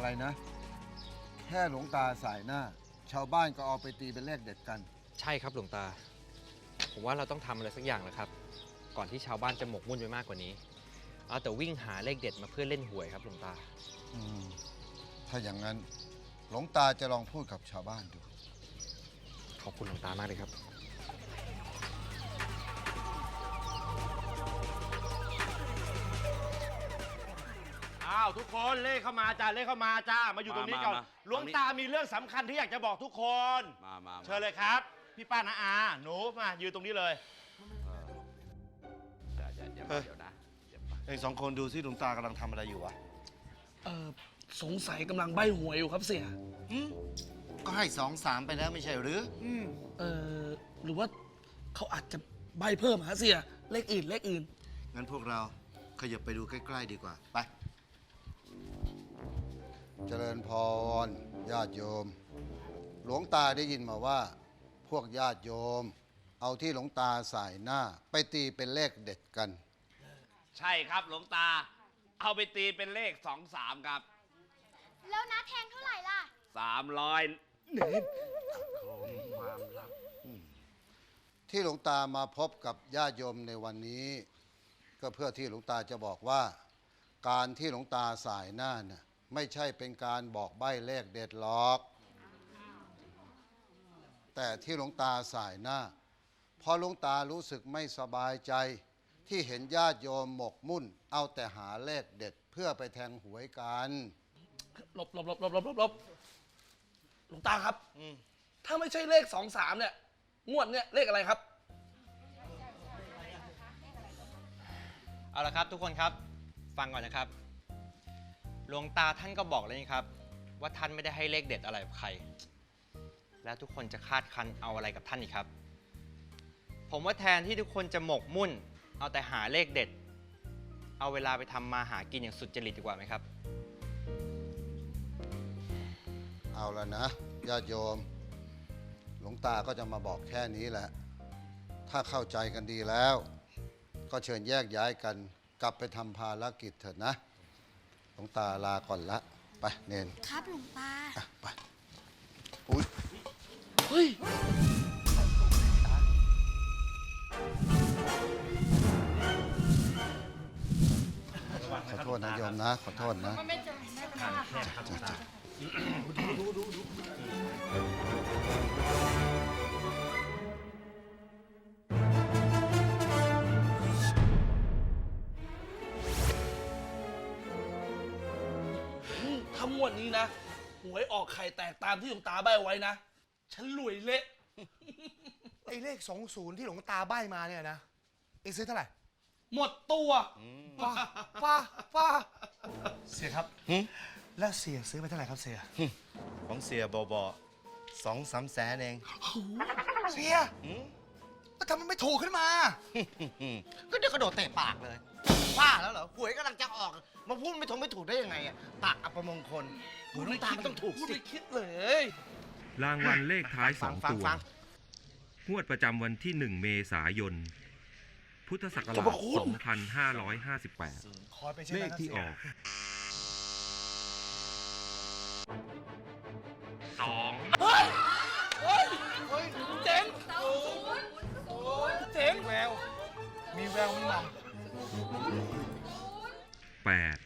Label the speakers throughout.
Speaker 1: อะไรนะ แค่หลวงตาสายหน้า ชาวบ้านก็เอาไปตีเป็นเลขเด็ดกัน
Speaker 2: ใช่ครับหลวงตา ผมว่าเราต้องทำอะไรสักอย่างแล้วครับ ก่อนที่ชาวบ้านจะหมกมุ่นไปมากกว่านี้ เอาแต่วิ่งหาเลขเด็ดมาเพื่อเล่นหวยครับหลวงตา
Speaker 1: ถ้าอย่างนั้นหลวงตาจะลองพูดกับชาวบ้านดู
Speaker 2: ขอบคุณหลวงตามากเลยครับ
Speaker 3: อ้าวทุกคนเลขเข้ามาจ้าเลขเข้ามาจ้ามาอยู่ตรงนี้ก่อน
Speaker 4: มา
Speaker 3: หลวงตามีเรื่องสำคัญที่อยากจะบอกทุกคน
Speaker 4: มา
Speaker 3: เชิญเลยครับพี่ป้านาอาหนูมายืนตรงนี้เลย
Speaker 4: เดี๋ยวนะ
Speaker 5: เองสองคนดูสิหลวงตากำลังทำอะไรอยู่วะ
Speaker 6: สงสัยกำลังใบ้หวยอยู่ครับเสีย
Speaker 5: ก็ให้2-3ไปแล้วไม่ใช่หรือ
Speaker 6: หรือว่าเขาอาจจะใบ้เพิ่มหาเสีย เลขอื่น
Speaker 5: งั้นพวกเราขยับไปดูใกล้ๆดีกว่า ไป
Speaker 1: เจริญพรญาติโยม หลวงตาได้ยินมาว่า พวกญาติโยม เอาที่หลวงตาสายหน้า ไปตีเป็นเลขเด็ดกัน
Speaker 3: ใช่ครับหลวงตา เอาไปตีเป็นเลข2-3ครับ
Speaker 7: แล้วน้าแทงเท่าไหร่ล่ะ
Speaker 3: 300
Speaker 1: ที่หลวงตามาพบกับญาติโยมในวันนี้ ก็เพื่อที่หลวงตาจะบอกว่า การที่หลวงตาสายหน้าน่ะไม่ใช่เป็นการบอกใบ้เลขเด็ดหรอก แต่ที่หลวงตาสายหน้าเพราะหลวงตารู้สึกไม่สบายใจ ที่เห็นญาติโยมหมกมุ่น เอาแต่หาเลขเด็ดเพื่อไปแทงหวยกัน
Speaker 6: ๆหลบหลวงตาครับ ถ้าไม่ใช่เลข2-3เนี่ย งวดเนี่ยเลขอะไรครับ
Speaker 2: เอาละครับทุกคนครับ ฟังก่อนนะครับ หลวงตาท่านก็บอกเลยนี่ครับ ว่าท่านไม่ได้ให้เลขเด็ดอะไรกับใคร แล้วทุกคนจะคาดคั้นเอาอะไรกับท่านอีกครับ ผมว่าแทนที่ทุกคนจะหมกมุ่น เอาแต่หาเลขเด็ด เอาเวลาไปทำมาหากินอย่างสุดจริตดีกว่าไหมครับ
Speaker 1: เอาละนะญาติโยม หลวงตาก็จะมาบอกแค่นี้แหละ ถ้าเข้าใจกันดีแล้ว ก็เชิญแยกย้ายกันกลับไปทำภารกิจเถิดนะ หลวงตาลาก่อนละ ไปเนน
Speaker 7: ครับหลวงตา
Speaker 1: อ่ะไปอุ๊ย
Speaker 6: เฮ้ย
Speaker 1: ขอโทษนะโยมนะ ขอโทษนะ
Speaker 7: ไม่เจอไม่เป็นไรค่ะ
Speaker 6: ถ้างวดนี้นะ หวยออกไข่แตกตามที่หลวงตาใบ้ไว้นะ ฉันรวยเละ
Speaker 8: ไอ้เลข20ที่หลวงตาใบ้มาเนี่ยนะ เอ็งซื้อเท่าไหร่
Speaker 6: หมดตัว
Speaker 8: ฟ้าเสียครับ แล้วเสียซื้อไปเท่าไหร่ครับเสีย
Speaker 5: ของเสียบอ2-3 แสนเอง
Speaker 8: เสียแล้วทำไมไม่ถูกขึ้นมา
Speaker 5: ก็เดี๋ยวกระโดดเตะปากเลยบ้าแล้วเหรอหวยกำลังจะออก มาพูดไม่ถูกได้ยังไงอะปากอัปมงคลหวยหลวงตามันต้องถูก
Speaker 6: พูด
Speaker 5: สิ
Speaker 6: ไม่คิดเลย
Speaker 9: รางวัลเลขท้าย
Speaker 5: ฟัง
Speaker 9: 2 ตัว
Speaker 5: ฟัง
Speaker 9: งวดประจำวันที่ 1 เมษายน พุทธศักราช 2558
Speaker 8: คอยไปใช่ไห
Speaker 9: เล
Speaker 8: ม
Speaker 9: ข
Speaker 8: ครับ
Speaker 9: ที่
Speaker 8: เสี
Speaker 9: อย อก 2
Speaker 6: เฮ้ยเจ๋งเจ๋ง
Speaker 8: แวว มีแววมีหม่
Speaker 9: 8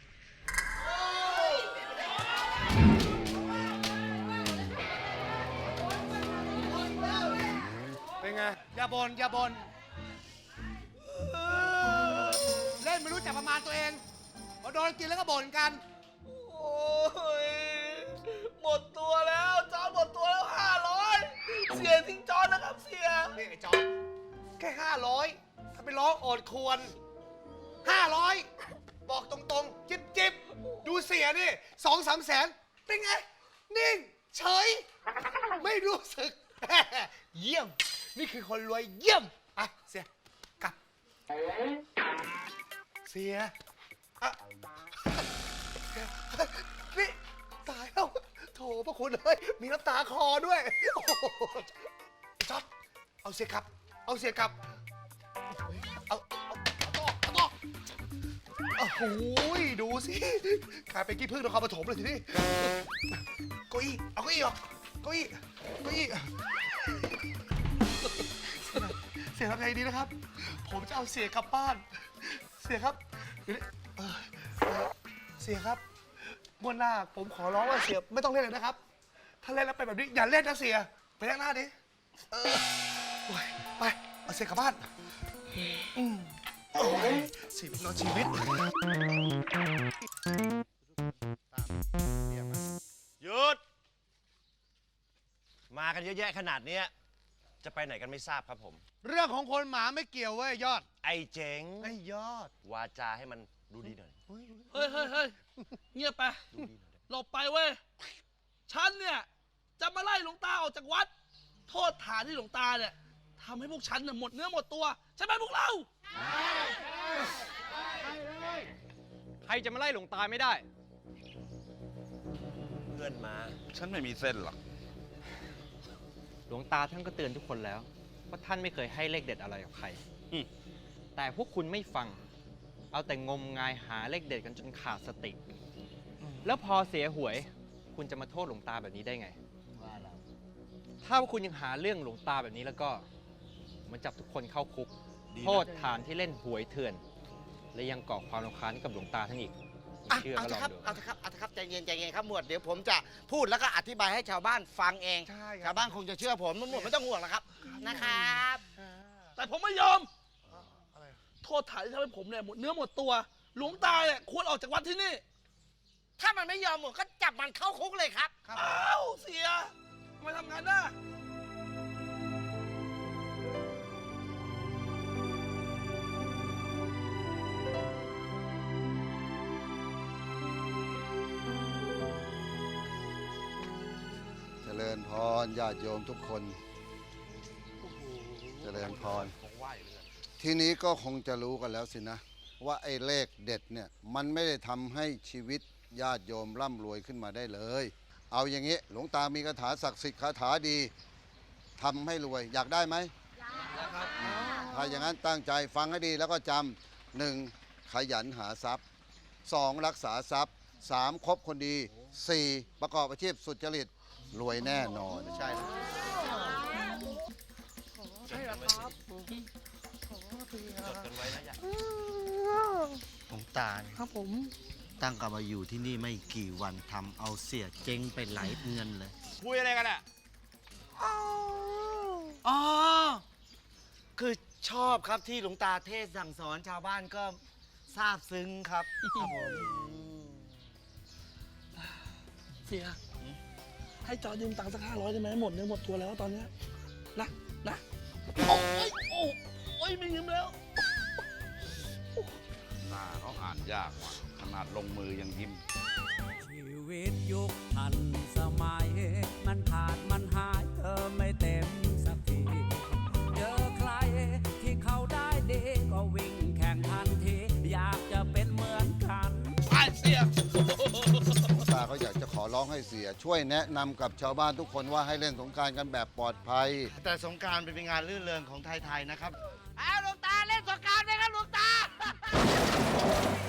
Speaker 8: เป็นไง อย่าบน เล่นไม่รู้จักประมาณตัวเองพอโดนกินแล้วก็บ่นกัน
Speaker 6: โอ้ย หมดตัวแล้วจอนหมดตัวแล้ว500 เสียทิ้งจอนนะครับเสีย
Speaker 8: นี่ไอ้จอนแค่500 ถ้าไปร้องโอดควร 500 บอกตรงๆ จิบดูเสียนี่2-3 แสน เป็นไง นิ่ง เฉย ไม่รู้สึก เยี่ยม นี่คือคนรวยเยี่ยม อ่ะ เสีย กลับ เสียอ่ะนี่ ตายแล้ว โถพระคุณเลย มีน้ำตาคอด้วย โอ้โหจอดเอาเสียกลับ เอาเสียกลับ เอาต่อโอ้โหดูสิกลายเป็นกี้พึ่งนครปฐมเลยทีนี้เก้าอี้เอาเก้าอี้ออกเก้าอี้เก้าอี้เสียทำไงดีนะครับ ผมจะเอาเสียกลับบ้าน เสียครับเสียครับงวดหน้าผมขอร้องว่าเสียไม่ต้องเล่นเลยนะครับ ถ้าเล่นแล้วเป็นแบบนี้อย่าเล่นนะเสียไปข้างหน้าดิโอ้ยไปเอาเสียกลับบ้านโอ้ยชีวิตเนอะชีวิต
Speaker 5: หยุด มากันเยอะแยะขนาดเนี้ยจะไปไหนกันไม่ทราบครับผม
Speaker 8: เรื่องของคนหมาไม่เกี่ยวเว้ยยอด
Speaker 5: ไอ้เจ๋ง
Speaker 8: ไอ้ยอด
Speaker 5: วาจาให้มันดูดีหน่อย
Speaker 6: เฮ้ยเงียบไป
Speaker 5: ดูดีหน่อย
Speaker 6: หลบไปเว้ย ฉันเนี่ย จะมาไล่หลวงตาออกจากวัด โทษฐานที่หลวงตาเนี่ยทำให้พวกฉันเนี่ยหมดเนื้อหมดตัว ใช่ไหมพวกเรา
Speaker 2: ใครจะมาไล่หลวงตาไม่ได้
Speaker 5: เพื่อนมา
Speaker 3: ฉันไม่มีเส้นหรอก
Speaker 2: หลวงตาท่านก็เตือนทุกคนแล้วว่าท่านไม่เคยให้เลขเด็ดอะไรกับใคร แต่พวกคุณไม่ฟัง เอาแต่งมงายหาเลขเด็ดกันจนขาดสติ แล้วพอเสียหวย คุณจะมาโทษหลวงตาแบบนี้ได้ไง ถ้าพวกคุณยังหาเรื่องหลวงตาแบบนี้แล้วก็มันจับทุกคนเข้าคุก โทษฐานที่เล่นหวยเถื่อน และยังก่อความรำคาญให้กับหลวงตาท่านอีกไม่เชื่อ
Speaker 5: เอา
Speaker 2: ก็
Speaker 5: เถ
Speaker 2: ลอ
Speaker 5: อะครับ
Speaker 2: งดู
Speaker 5: เอาเถอะครับ เอาเถอะครับ ใจเย็นใจเย็นครับ หมวด เดี๋ยวผมจะพูดแล้วก็อธิบายให้ชาวบ้านฟังเอง
Speaker 8: ใช่ครับ
Speaker 5: ชาวบ้านคงจะเชื่อผมหมวดไม่ต้องห่วงหรอกครับ นะครับ
Speaker 6: แต่ผมไม่ยอม โทษฐานที่ทำให้ผมเนี่ยหมดเนื้อหมดตัว หลวงตาเนี่ยควรออกจากวัดที่นี่
Speaker 5: ถ้ามันไม่ยอมหมวดก็จับมันเข้าคุกเลยครับ
Speaker 6: อ้าวเสียทำไมทำงานได้
Speaker 1: เจริญพรญาติโยมทุกคน เจริญพร ทีนี้ก็คงจะรู้กันแล้วสินะ ว่าไอ้เลขเด็ดเนี่ยมันไม่ได้ทำให้ชีวิตญาติโยมร่ำรวยขึ้นมาได้เลย เอาอย่างนี้หลวงตามีคาถาศักดิ์สิทธิ์คาถาดีทำให้รวยอยากได้ไหมถ้าอย่างนั้นตั้งใจฟังให้ดีแล้วก็จำหนึ่งขยันหาทรัพย์สองรักษาทรัพย์สามคบคนดีสี่ประกอบอาชีพสุจริตรวยแน่นอนใช่
Speaker 5: หลวงตาเนี่ยครับผมตั้งกลับมาอยู่ที่นี่ไม่กี่วันทำเอาเสียเจ๊งไปหลายเงินเลย
Speaker 3: คุยอะไรกันอ่ะ
Speaker 5: อ๋อ คือชอบครับที่หลวงตาเทศน์สั่งสอนชาวบ้านก็ซาบซึ้งครับ ครับผม
Speaker 6: เสีย ให้จอยืมตังค์สัก500ได้ไหมหมดเนื้อหมดตัวแล้วตอนเนี้ยนะโอ้ยไม่ยืมแล้ว
Speaker 3: หน้าเขาอ่านยากว่ะขนาดลงมือยังยิ้ม
Speaker 4: ชีวิตยุคทันสมัย มันขาดมันหายเธอไม่เต็มสักที เจอใครที่เขาได้ดีก็วิ่งแข่งทันที อยากจะเป็นเหมือนกัน
Speaker 6: ไอ้เสีย
Speaker 1: หลวงตาเขาอยากจะขอร้องให้เสีย ช่วยแนะนำกับชาวบ้านทุกคนว่าให้เล่นสงกรารกันแบบปลอดภัย
Speaker 5: แต่สงกรารเป็นงานรื่นเริงของไทยๆนะครับอ้าวหลวงตาเล่นสงกรารไหมครับหลวงตา